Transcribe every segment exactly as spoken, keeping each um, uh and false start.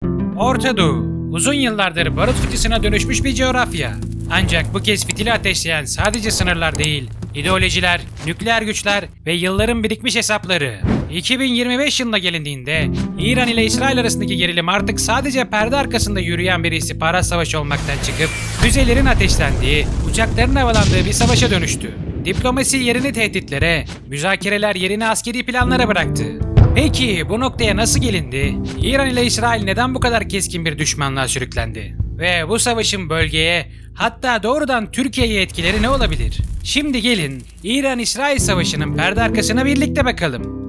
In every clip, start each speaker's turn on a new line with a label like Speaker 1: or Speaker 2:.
Speaker 1: Orta Doğu, uzun yıllardır barut fıçısına dönüşmüş bir coğrafya. Ancak bu kez fitili ateşleyen sadece sınırlar değil, ideolojiler, nükleer güçler ve yılların birikmiş hesapları. iki bin yirmi beş yılına gelindiğinde İran ile İsrail arasındaki gerilim artık sadece perde arkasında yürüyen bir istihbarat savaşı olmaktan çıkıp füzelerin ateşlendiği, uçakların havalandığı bir savaşa dönüştü. Diplomasi yerini tehditlere, müzakereler yerini askeri planlara bıraktı. Peki bu noktaya nasıl gelindi? İran ile İsrail neden bu kadar keskin bir düşmanlığa sürüklendi? Ve bu savaşın bölgeye, hatta doğrudan Türkiye'ye etkileri ne olabilir? Şimdi gelin İran-İsrail savaşının perde arkasına birlikte bakalım.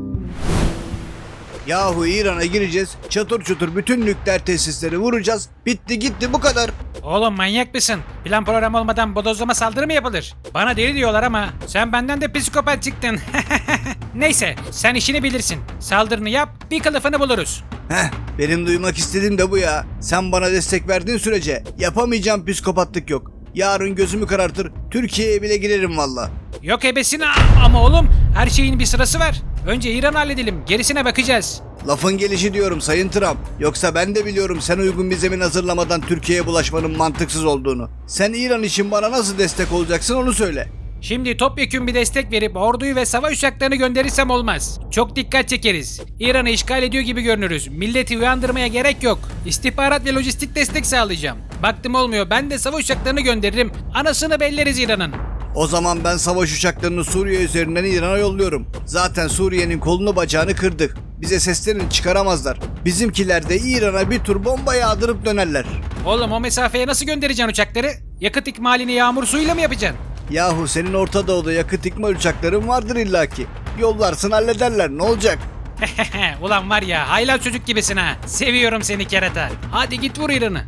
Speaker 2: Yahu İran'a gireceğiz, çatır çutur bütün nükleer tesisleri vuracağız, bitti gitti bu kadar.
Speaker 1: Oğlum manyak mısın? Plan program olmadan bodozlama saldırı mı yapılır? Bana deli diyorlar ama sen benden de psikopat çıktın. Neyse sen işini bilirsin. Saldırını yap, bir kılıfını buluruz.
Speaker 2: Heh, benim duymak istediğim de bu ya. Sen bana destek verdiğin sürece yapamayacağım psikopatlık yok. Yarın gözümü karartır, Türkiye'ye bile girerim valla.
Speaker 1: Yok ebesine ama oğlum her şeyin bir sırası var. Önce İran'ı halledelim, gerisine bakacağız.
Speaker 2: Lafın gelişi diyorum Sayın Trump. Yoksa ben de biliyorum sen uygun bir zemin hazırlamadan Türkiye'ye bulaşmanın mantıksız olduğunu. Sen İran için bana nasıl destek olacaksın onu söyle.
Speaker 1: Şimdi topyekün bir destek verip orduyu ve savaş uçaklarını gönderirsem olmaz. Çok dikkat çekeriz. İran'ı işgal ediyor gibi görünürüz. Milleti uyandırmaya gerek yok. İstihbarat ve lojistik destek sağlayacağım. Baktım olmuyor, ben de savaş uçaklarını gönderirim. Anasını belleriz İran'ın.
Speaker 2: O zaman ben savaş uçaklarını Suriye üzerinden İran'a yolluyorum. Zaten Suriye'nin kolunu bacağını kırdık. Bize seslerini çıkaramazlar. Bizimkiler de İran'a bir tur bomba yağdırıp dönerler.
Speaker 1: Oğlum o mesafeye nasıl göndereceksin uçakları? Yakıt ikmalini yağmur suyuyla mı yapacaksın?
Speaker 2: Yahu senin Orta Doğu'da yakıt ikmal uçakların vardır illaki. Yollarsın hallederler, ne olacak?
Speaker 1: Ulan var ya haylaz çocuk gibisin ha. Seviyorum seni kerata. Hadi git vur İran'ı.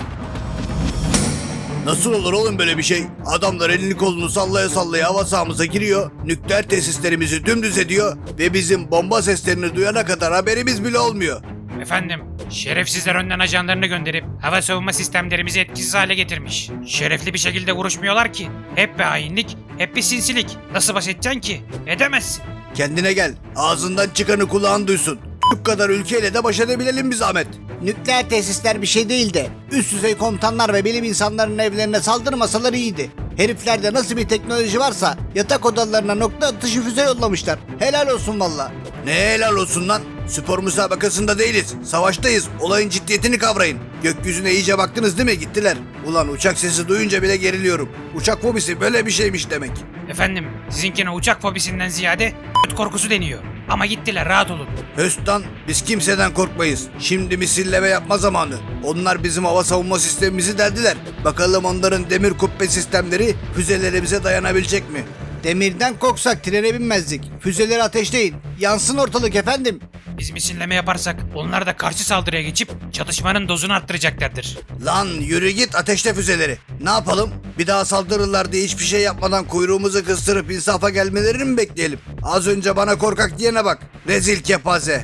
Speaker 2: Nasıl olur oğlum böyle bir şey? Adamlar elini kolunu sallaya sallaya hava sahamıza giriyor, nükleer tesislerimizi dümdüz ediyor ve bizim bomba seslerini duyana kadar haberimiz bile olmuyor.
Speaker 1: Efendim, şerefsizler önden ajanlarını gönderip hava savunma sistemlerimizi etkisiz hale getirmiş. Şerefli bir şekilde vuruşmuyorlar ki. Hep bir hainlik, hep bir sinsilik. Nasıl baş edeceksin ki? Edemezsin.
Speaker 2: Kendine gel, ağzından çıkanı kulağın duysun. Bu kadar ülkeyle de baş edebilelim bir zahmet. Nükleer tesisler bir şey değil de üst düzey komutanlar ve bilim insanlarının evlerine saldırmasalar iyiydi. Heriflerde nasıl bir teknoloji varsa yatak odalarına nokta atışı füze yollamışlar. Helal olsun valla. Ne helal olsun lan? Spor müsabakasında değiliz. Savaştayız. Olayın ciddiyetini kavrayın. Gökyüzüne iyice baktınız değil mi? Gittiler. Ulan uçak sesi duyunca bile geriliyorum. Uçak fobisi böyle bir şeymiş demek.
Speaker 1: Efendim, sizinkine uçak fobisinden ziyade korkusu deniyor. Ama gittiler, rahat olun.
Speaker 2: Höstan, biz kimseden korkmayız. Şimdi misilleme yapma zamanı. Onlar bizim hava savunma sistemimizi deldiler. Bakalım onların demir kubbe sistemleri füzelerimize dayanabilecek mi? Demirden korksak trene binmezdik. Füzeleri ateşleyin. Yansın ortalık efendim.
Speaker 1: Biz misilleme yaparsak onlar da karşı saldırıya geçip çatışmanın dozunu arttıracaklardır.
Speaker 2: Lan yürü git ateşle füzeleri. Ne yapalım? Bir daha saldırırlar diye hiçbir şey yapmadan kuyruğumuzu kıstırıp insafa gelmelerini mi bekleyelim? Az önce bana korkak diyene bak. Rezil kepaze.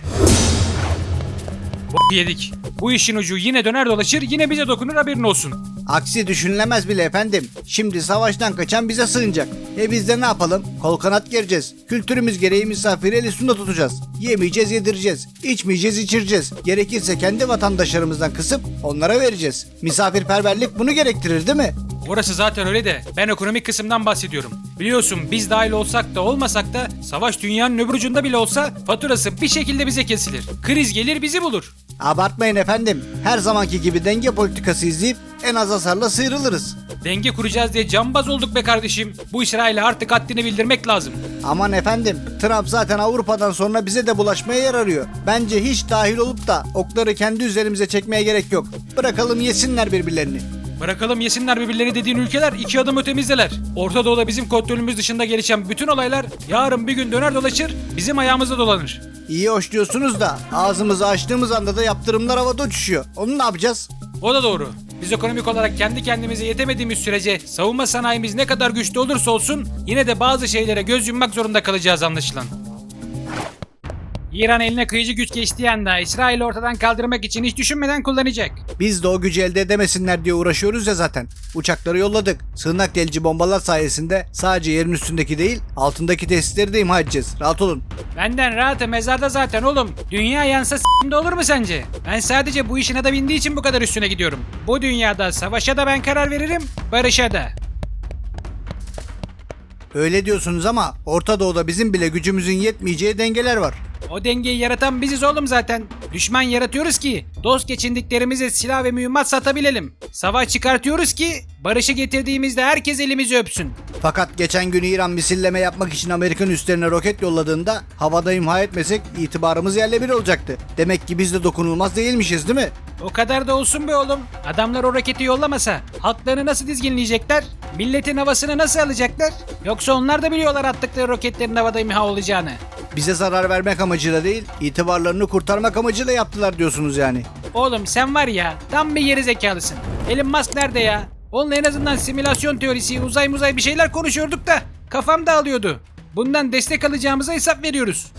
Speaker 1: Bu yedik. Bu işin ucu yine döner dolaşır, yine bize dokunur, haberin olsun.
Speaker 2: Aksi düşünülemez bile efendim. Şimdi savaştan kaçan bize sığınacak. E biz de ne yapalım? Kol kanat gereceğiz. Kültürümüz gereği misafiri el üstünde tutacağız. Yemeyeceğiz, yedireceğiz. İçmeyeceğiz, içireceğiz. Gerekirse kendi vatandaşlarımızdan kısıp onlara vereceğiz. Misafirperverlik bunu gerektirir değil mi?
Speaker 1: Orası zaten öyle de ben ekonomik kısımdan bahsediyorum. Biliyorsun biz dahil olsak da olmasak da savaş dünyanın öbür ucunda bile olsa faturası bir şekilde bize kesilir. Kriz gelir bizi bulur.
Speaker 2: Abartmayın efendim. Her zamanki gibi denge politikası izleyip en az hasarla sıyrılırız.
Speaker 1: Denge kuracağız diye cambaz olduk be kardeşim. Bu İsrail'e artık haddini bildirmek lazım.
Speaker 2: Aman efendim, Trump zaten Avrupa'dan sonra bize de bulaşmaya yer arıyor. Bence hiç dahil olup da okları kendi üzerimize çekmeye gerek yok. Bırakalım yesinler birbirlerini.
Speaker 1: Bırakalım yesinler birbirlerini dediğin ülkeler iki adım ötemizdeler. Orta Doğu'da bizim kontrolümüz dışında gelişen bütün olaylar yarın bir gün döner dolaşır, bizim ayağımıza dolanır.
Speaker 2: İyi hoş diyorsunuz da ağzımızı açtığımız anda da yaptırımlar havada uçuşuyor. Onu ne yapacağız?
Speaker 1: O da doğru. Biz ekonomik olarak kendi kendimize yetemediğimiz sürece savunma sanayimiz ne kadar güçlü olursa olsun yine de bazı şeylere göz yummak zorunda kalacağız anlaşılan. İran eline kıyıcı güç geçtiği anda İsrail'i ortadan kaldırmak için hiç düşünmeden kullanacak.
Speaker 2: Biz de o gücü elde edemesinler diye uğraşıyoruz ya zaten. Uçakları yolladık. Sığınak delici bombalar sayesinde sadece yerin üstündeki değil altındaki tesisleri de imha edeceğiz. Rahat olun.
Speaker 1: Benden rahatı mezarda zaten oğlum. Dünya yansa s***de olur mu sence? Ben sadece bu işin adı bindiği için bu kadar üstüne gidiyorum. Bu dünyada savaşa da ben karar veririm, barışa da.
Speaker 2: Öyle diyorsunuz ama Orta Doğu'da bizim bile gücümüzün yetmeyeceği dengeler var.
Speaker 1: O dengeyi yaratan biziz oğlum zaten. Düşman yaratıyoruz ki dost geçindiklerimize silah ve mühimmat satabilelim. Savaş çıkartıyoruz ki barışı getirdiğimizde herkes elimizi öpsün.
Speaker 2: Fakat geçen gün İran misilleme yapmak için Amerikan üslerine roket yolladığında havada imha etmesek itibarımız yerle bir olacaktı. Demek ki biz de dokunulmaz değilmişiz değil mi?
Speaker 1: O kadar da olsun be oğlum. Adamlar o roketi yollamasa halklarını nasıl dizginleyecekler? Milletin havasını nasıl alacaklar? Yoksa onlar da biliyorlar attıkları roketlerin havada imha olacağını.
Speaker 2: Bize zarar vermek amacıyla değil, itibarlarını kurtarmak amacıyla yaptılar diyorsunuz yani.
Speaker 1: Oğlum sen var ya tam bir geri zekalısın. Elon Musk nerede ya? Onunla en azından simülasyon teorisi, uzay muzay bir şeyler konuşuyorduk da kafam dağılıyordu. Bundan destek alacağımıza hesap veriyoruz.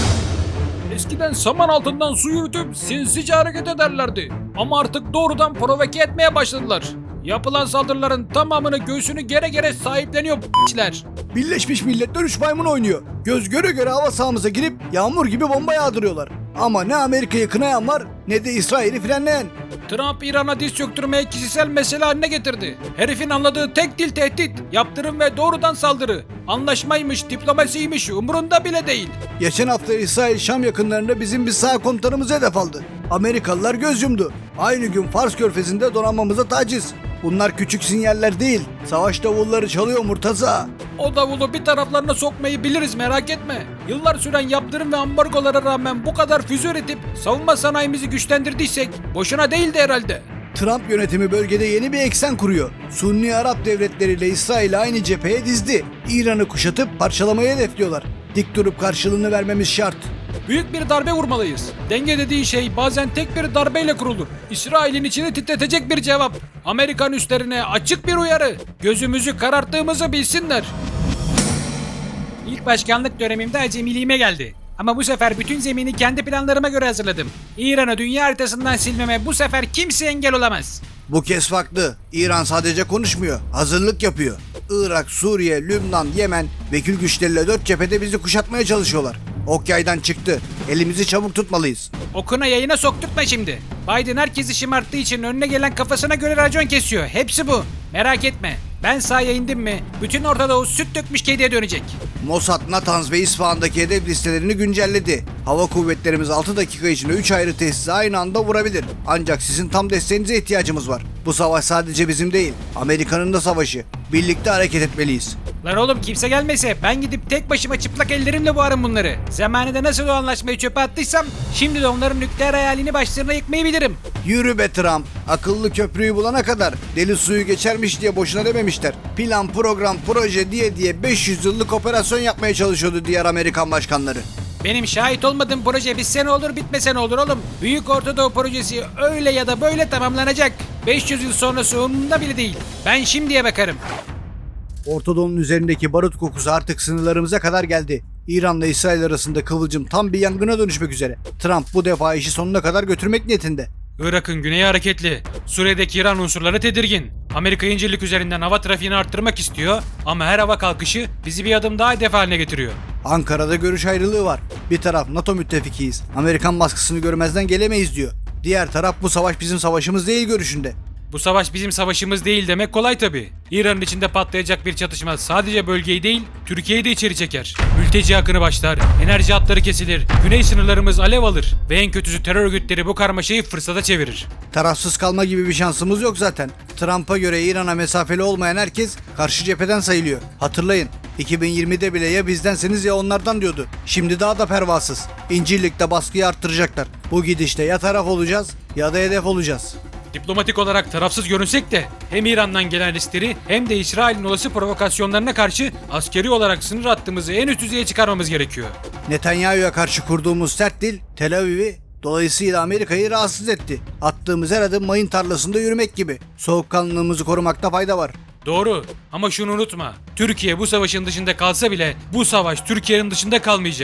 Speaker 1: Eskiden saman altından su yürütüp sinsice hareket ederlerdi. Ama artık doğrudan provoke etmeye başladılar. Yapılan saldırıların tamamını göğsünü gere gere sahipleniyor p***ler.
Speaker 2: Birleşmiş Milletler üç maymun oynuyor. Göz göre göre hava sahamıza girip yağmur gibi bomba yağdırıyorlar. Ama ne Amerika'yı kınayan var ne de İsrail'i frenleyen.
Speaker 1: Trump İran'a diz çöktürmeyi kişisel mesele haline getirdi. Herifin anladığı tek dil tehdit, yaptırım ve doğrudan saldırı. Anlaşmaymış, diplomasiymiş umurunda bile değil.
Speaker 2: Geçen hafta İsrail Şam yakınlarında bizim bir sağ komutanımızı hedef aldı. Amerikalılar göz yumdu. Aynı gün Fars Körfezi'nde donanmamıza taciz. Bunlar küçük sinyaller değil. Savaş davulları çalıyor Murtaza.
Speaker 1: O davulu bir taraflarına sokmayı biliriz merak etme. Yıllar süren yaptırım ve ambargolara rağmen bu kadar füze üretip savunma sanayimizi güçlendirdiysek boşuna değildi herhalde.
Speaker 2: Trump yönetimi bölgede yeni bir eksen kuruyor. Sunni Arap devletleriyle İsrail'i aynı cepheye dizdi. İran'ı kuşatıp parçalamayı hedefliyorlar. Dik durup karşılığını vermemiz şart.
Speaker 1: Büyük bir darbe vurmalıyız. Denge dediği şey bazen tek bir darbeyle kurulur. İsrail'in içini titretecek bir cevap. Amerikan üslerine açık bir uyarı. Gözümüzü kararttığımızı bilsinler. İlk başkanlık dönemimde acemiliğime geldi. Ama bu sefer bütün zemini kendi planlarıma göre hazırladım. İran'ı dünya haritasından silmeme bu sefer kimse engel olamaz.
Speaker 2: Bu kez farklı. İran sadece konuşmuyor, hazırlık yapıyor. Irak, Suriye, Lübnan, Yemen, vekil güçleriyle dört cephede bizi kuşatmaya çalışıyorlar. Ok yaydan çıktı. Elimizi çabuk tutmalıyız.
Speaker 1: Okuna yayına sokturtma şimdi. Biden herkesi şımarttığı için önüne gelen kafasına göre racon kesiyor. Hepsi bu. Merak etme. Ben sahaya indim mi bütün Orta Doğu süt dökmüş kediye dönecek.
Speaker 2: Mossad, Natanz ve İsfahan'daki hedef listelerini güncelledi. Hava kuvvetlerimiz altı dakika içinde üç ayrı tesisi aynı anda vurabilir. Ancak sizin tam desteğinize ihtiyacımız var. Bu savaş sadece bizim değil, Amerika'nın da savaşı. Birlikte hareket etmeliyiz.
Speaker 1: Lan oğlum kimse gelmese ben gidip tek başıma çıplak ellerimle boğarım bunları. Zamanında nasıl o anlaşmayı çöpe attıysam şimdi de onların nükleer hayalini başlarına yıkmayı bilirim.
Speaker 2: Yürü be Trump. Akıllı köprüyü bulana kadar deli suyu geçermiş diye boşuna dememişler. Plan, program, proje diye diye beş yüz yıllık operasyon yapmaya çalışıyordu diğer Amerikan başkanları.
Speaker 1: Benim şahit olmadığım proje bitse ne olur bitmese ne olur oğlum. Büyük Orta Doğu projesi öyle ya da böyle tamamlanacak. beş yüz yıl sonrası umurumda bile değil. Ben şimdiye bakarım.
Speaker 2: Orta Doğu'nun üzerindeki barut kokusu artık sınırlarımıza kadar geldi. İran'la İsrail arasında kıvılcım tam bir yangına dönüşmek üzere. Trump bu defa işi sonuna kadar götürmek niyetinde.
Speaker 1: Irak'ın güneyi hareketli. Suriye'deki İran unsurları tedirgin. Amerika İncirlik üzerinden hava trafiğini arttırmak istiyor ama her hava kalkışı bizi bir adım daha hedef haline getiriyor.
Speaker 2: Ankara'da görüş ayrılığı var. Bir taraf NATO müttefikiyiz. Amerikan baskısını görmezden gelemeyiz diyor. Diğer taraf bu savaş bizim savaşımız değil görüşünde.
Speaker 1: Bu savaş bizim savaşımız değil demek kolay tabi. İran'ın içinde patlayacak bir çatışma sadece bölgeyi değil, Türkiye'yi de içeri çeker. Mülteci akını başlar, enerji hatları kesilir, güney sınırlarımız alev alır ve en kötüsü terör örgütleri bu karmaşayı fırsata çevirir.
Speaker 2: Tarafsız kalma gibi bir şansımız yok zaten. Trump'a göre İran'a mesafeli olmayan herkes karşı cepheden sayılıyor. Hatırlayın, iki bin yirmide bile ya bizdenseniz ya onlardan diyordu. Şimdi daha da pervasız. İncirlik'te baskıyı arttıracaklar. Bu gidişte ya taraf olacağız ya da hedef olacağız.
Speaker 1: Diplomatik olarak tarafsız görünsek de hem İran'dan gelen riskleri hem de İsrail'in olası provokasyonlarına karşı askeri olarak sınır hattımızı en üst düzeye çıkarmamız gerekiyor.
Speaker 2: Netanyahu'ya karşı kurduğumuz sert dil Tel Aviv'i, dolayısıyla Amerika'yı rahatsız etti. Attığımız her adım mayın tarlasında yürümek gibi. Soğukkanlılığımızı korumakta fayda var.
Speaker 1: Doğru ama şunu unutma. Türkiye bu savaşın dışında kalsa bile bu savaş Türkiye'nin dışında kalmayacak.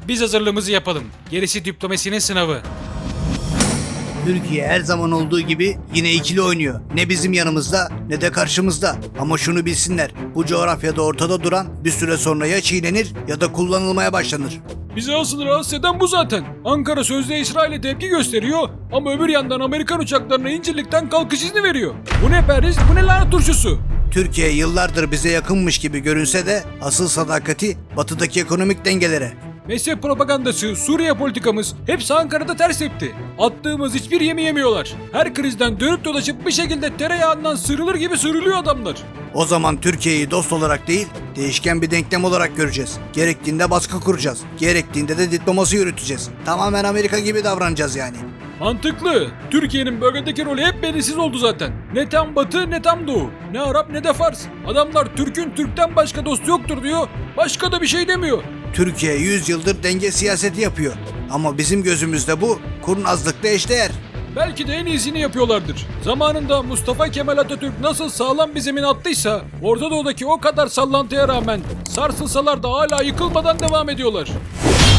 Speaker 1: Biz hazırlığımızı yapalım. Gerisi diplomasinin sınavı.
Speaker 2: Türkiye her zaman olduğu gibi yine ikili oynuyor. Ne bizim yanımızda ne de karşımızda. Ama şunu bilsinler. Bu coğrafyada ortada duran bir süre sonra ya çiğnenir ya da kullanılmaya başlanır.
Speaker 3: Bizi asıl rahatsız eden bu zaten. Ankara sözde İsrail'e tepki gösteriyor ama öbür yandan Amerikan uçaklarına İncirlik'ten kalkış izni veriyor. Bu ne periz, bu ne lanet turşusu?
Speaker 2: Türkiye yıllardır bize yakınmış gibi görünse de asıl sadakati batıdaki ekonomik dengelere.
Speaker 3: Mezhep propagandası, Suriye politikamız hepsi Ankara'da ters tepti. Attığımız hiçbir yemi yemiyorlar. Her krizden dönüp dolaşıp bir şekilde tereyağından sıyrılır gibi sıyrılıyor adamlar.
Speaker 2: O zaman Türkiye'yi dost olarak değil, değişken bir denklem olarak göreceğiz. Gerektiğinde baskı kuracağız. Gerektiğinde de diplomasi yürüteceğiz. Tamamen Amerika gibi davranacağız yani.
Speaker 3: Mantıklı. Türkiye'nin bölgedeki rolü hep belirsiz oldu zaten. Ne tam batı ne tam doğu. Ne Arap ne de Fars. Adamlar Türk'ün Türk'ten başka dostu yoktur diyor. Başka da bir şey demiyor.
Speaker 2: Türkiye yüz yıldır denge siyaseti yapıyor. Ama bizim gözümüzde bu kurnazlıkla eşdeğer.
Speaker 3: Belki de en iyisini yapıyorlardır. Zamanında Mustafa Kemal Atatürk nasıl sağlam bir zemin attıysa Orta Doğu'daki o kadar sallantıya rağmen sarsılsalar da hala yıkılmadan devam ediyorlar.